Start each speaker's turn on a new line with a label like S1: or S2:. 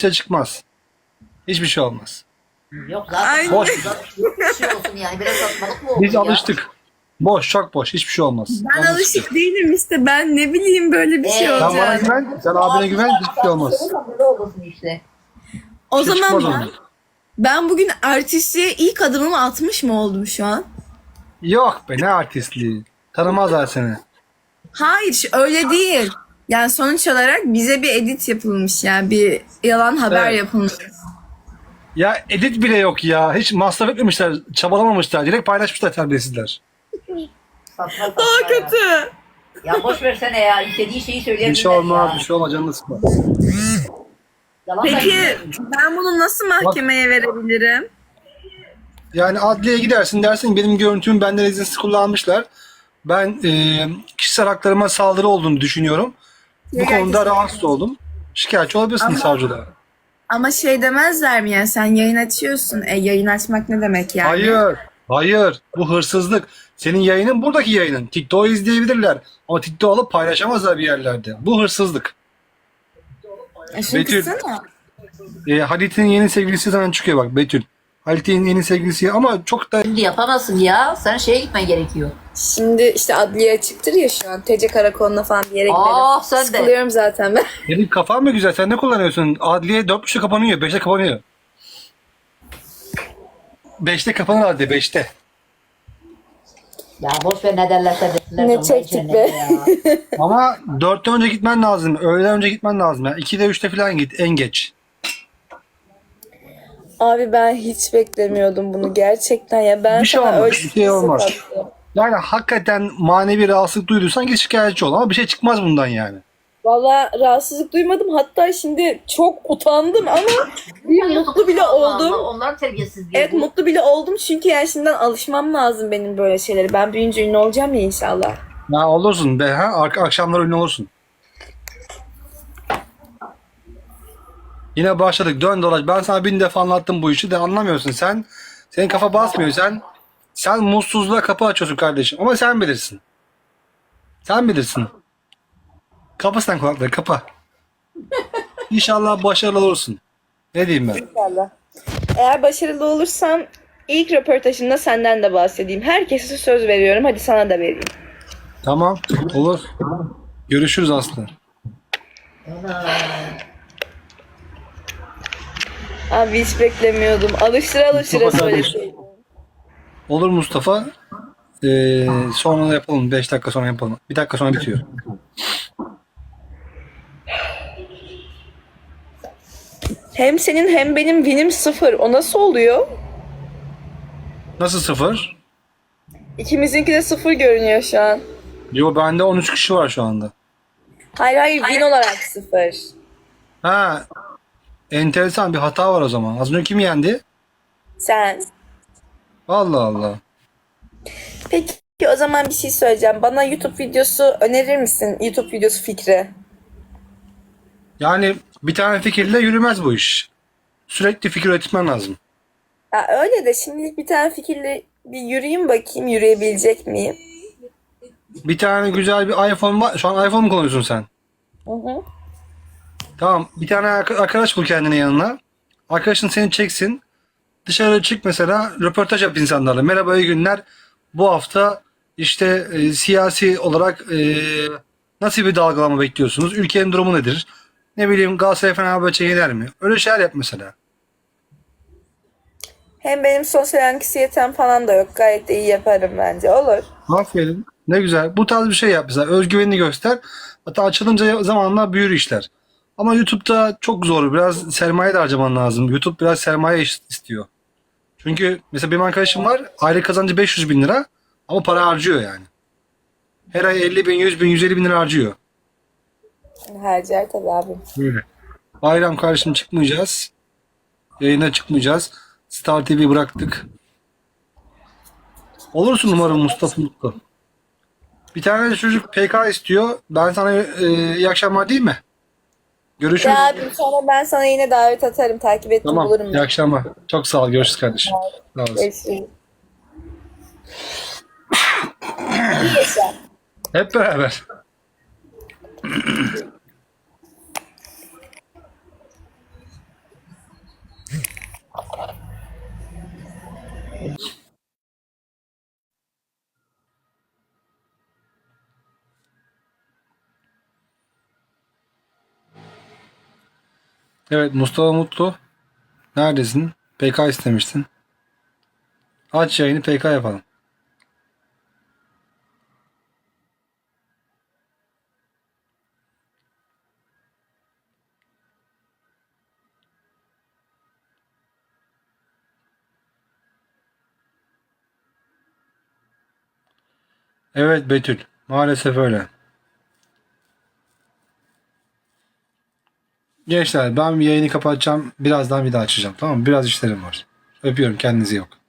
S1: şey çıkmaz. Hiçbir şey olmaz.
S2: Yok zaten
S3: Aynen.
S1: Boş.
S2: bir şey olsun yani. Biraz saçmalık mı oldu
S1: Biz
S2: ya?
S1: alıştık. Boş, çok boş. Hiçbir şey olmaz.
S3: Ben
S1: Yalnız
S3: alışık değilim işte. Ben ne bileyim böyle bir şey
S2: Sen
S1: Sen bana
S3: olacak.
S1: güven, sen abine güven, hiçbir şey olmaz.
S2: Böyle olmasın işte.
S3: O
S1: Bir şey
S3: zaman
S1: çıkmaz ondan.
S3: ben bugün artistliğe ilk adımımı atmış mı oldum şu an?
S1: Yok be, ne artistliği. Tanımazlar seni.
S3: Hayır öyle değil. Yani sonuç olarak bize bir edit yapılmış yani bir yalan haber
S1: Evet.
S3: yapılmış.
S1: Ya edit bile yok ya. Hiç masraf etmemişler, çabalamamışlar. Direkt paylaşmışlar terbiyesizler.
S2: Saçma saçma
S3: Daha
S2: ya.
S3: kötü.
S2: Ya boş versene ya. İstediği şeyi
S1: Bir
S2: söyleyebilirler
S1: şey olmaz,
S2: ya.
S1: bir şey olmaz. Canını sıkma.
S2: Yalan da
S3: Peki
S2: bilmiyorum.
S3: ben bunu nasıl mahkemeye verebilirim?
S1: Yani adliyeye gidersin, dersin benim görüntümü benden izinsiz kullanmışlar. Ben kişisel haklarıma saldırı olduğunu düşünüyorum. Bu konuda rahatsız oldum. Şikayetçi olabilirsin
S3: Ama-
S1: savcılığa.
S3: Ama şey demezler mi yani sen yayın açıyorsun. Yayın açmak ne demek yani?
S1: Hayır, hayır. Bu hırsızlık. Senin yayının buradaki yayının. TikTok'u izleyebilirler. Ama TikTok alıp paylaşamazlar bir yerlerde. Bu hırsızlık.
S3: Şunu
S1: Betül.
S3: kıssana.
S1: Halit'in yeni sevgilisi sana çıkıyor bak Betül. Halit'in yeni sevgilisi ama çok da
S2: Şimdi yapamazsın ya. Sen şeye gitmen gerekiyor.
S3: Şimdi işte adliye açıktır ya şu an. TC karakoluna falan bir yere gidelim.
S2: Ah sen de.
S3: Sıkılıyorum zaten ben.
S1: senin kafan mı güzel? Sen ne kullanıyorsun? Adliye 4.30'da kapanıyor, 5'te kapanıyor. 5'te kapanır adliye, 5'te.
S2: Ya boş ver ne derlerse desinler.
S3: Ne
S2: Allah
S3: çektik
S2: için
S3: be.
S2: ya.
S1: Ama 4'ten önce gitmen lazım. Öğleden önce gitmen lazım. Yani 2'de 3'te falan git en geç.
S3: Abi ben hiç beklemiyordum bunu gerçekten ya. Ben
S1: Bir şey
S3: sana
S1: olmaz,
S3: öyle
S1: bir şey olmaz.
S3: sattım.
S1: Yani hakikaten manevi rahatsızlık duyduysan git şikayetçi ol ama bir şey çıkmaz bundan yani.
S3: Valla rahatsızlık duymadım. Hatta şimdi çok utandım ama bir mutlu bile
S2: Allah
S3: oldum.
S2: Allah, onlar terbiyesiz diye.
S3: Evet mutlu bile oldum çünkü yani şimdiden alışmam lazım benim böyle şeylere. Ben büyüyünce ünlü olacağım ya inşallah.
S1: Ya olursun be ha akşamlar ünlü olursun. Yine başladık dön dolaş. Ben sana 1000 defa anlattım bu işi de anlamıyorsun sen. Senin kafa basmıyor sen mutsuzluğa kapı açıyorsun kardeşim ama sen bilirsin. Sen bilirsin. Kapa sen kulakları kapa. İnşallah başarılı olursun. Ne diyeyim ben?
S3: İnşallah. Eğer başarılı olursam ilk röportajında senden de bahsedeyim. Herkese söz veriyorum. Hadi sana da vereyim.
S1: Tamam olur. Görüşürüz Aslı.
S3: Abi hiç beklemiyordum. Alıştıra alıştıra
S1: Mustafa
S3: söyleseydin.
S1: Olur Mustafa. Sonra da yapalım. 5 dakika sonra yapalım. 1 dakika sonra bitiyor.
S3: Hem senin hem benim winim 0. O nasıl oluyor?
S1: Nasıl 0?
S3: İkimizinki de 0 görünüyor şu an.
S1: Yo bende 13 kişi var şu anda.
S3: Hayır win olarak 0.
S1: Ha, enteresan bir hata var o zaman. Az önce kim yendi?
S3: Sen.
S1: Allah Allah.
S3: Peki o zaman bir şey söyleyeceğim. Bana YouTube videosu önerir misin? YouTube videosu fikri.
S1: Yani bir tane fikirle yürümez bu iş. Sürekli fikir üretmen lazım.
S3: Ya öyle de şimdilik bir tane fikirle bir yürüyeyim bakayım yürüyebilecek miyim?
S1: Bir tane güzel bir iPhone var. Şu an iPhone mu kullanıyorsun sen?
S3: Hı hı.
S1: Tamam. Bir tane arkadaş bul kendine yanına. Arkadaşın seni çeksin. Dışarı çık mesela. Röportaj yap insanlarla. Merhaba iyi günler. Bu hafta işte siyasi olarak nasıl bir dalgalama bekliyorsunuz? Ülkenin durumu nedir? Ne bileyim Galatasaray Fenerbahçe yener mi? Öyle şeyler yap mesela.
S3: Hem benim sosyal anksiyetem falan da yok. Gayet de iyi yaparım bence. Olur.
S1: Aferin. Ne güzel. Bu tarz bir şey yap mesela. Özgüvenini göster. Hatta açılınca zamanla büyür işler. Ama YouTube'da çok zor. Biraz sermaye de harcaman lazım. YouTube biraz sermaye istiyor. Çünkü mesela benim arkadaşım var. Aylık kazancı 500 bin lira. Ama para harcıyor yani. Her ay 50 bin, 100 bin, 150 bin lira harcıyor.
S3: Harcar tabii abim.
S1: Böyle. Bayram karşım çıkmayacağız. Yayına çıkmayacağız. Star TV bıraktık. Olursun umarım Mustafa Mutlu. Bir tane de çocuk PK istiyor. Ben sana iyi akşamlar değil mi? Görüşürüz.
S3: Ya abim sonra ben sana yine davet atarım. Takip ettim
S1: Tamam.
S3: bulurum
S1: İyi
S3: ben.
S1: akşamlar. Çok sağ ol. Görüşürüz kardeşim. Sağ olasın.
S3: Görüşürüz. İyi yaşa.
S1: Hep beraber. Evet Mustafa Mutlu. Neredesin? PK istemiştin. Aç yayını PK yapalım. Evet Betül. Maalesef öyle. Gençler ben bir yayını kapatacağım. Birazdan bir daha açacağım. Tamam mı? Biraz işlerim var. Öpüyorum. Kendinize iyi bakın.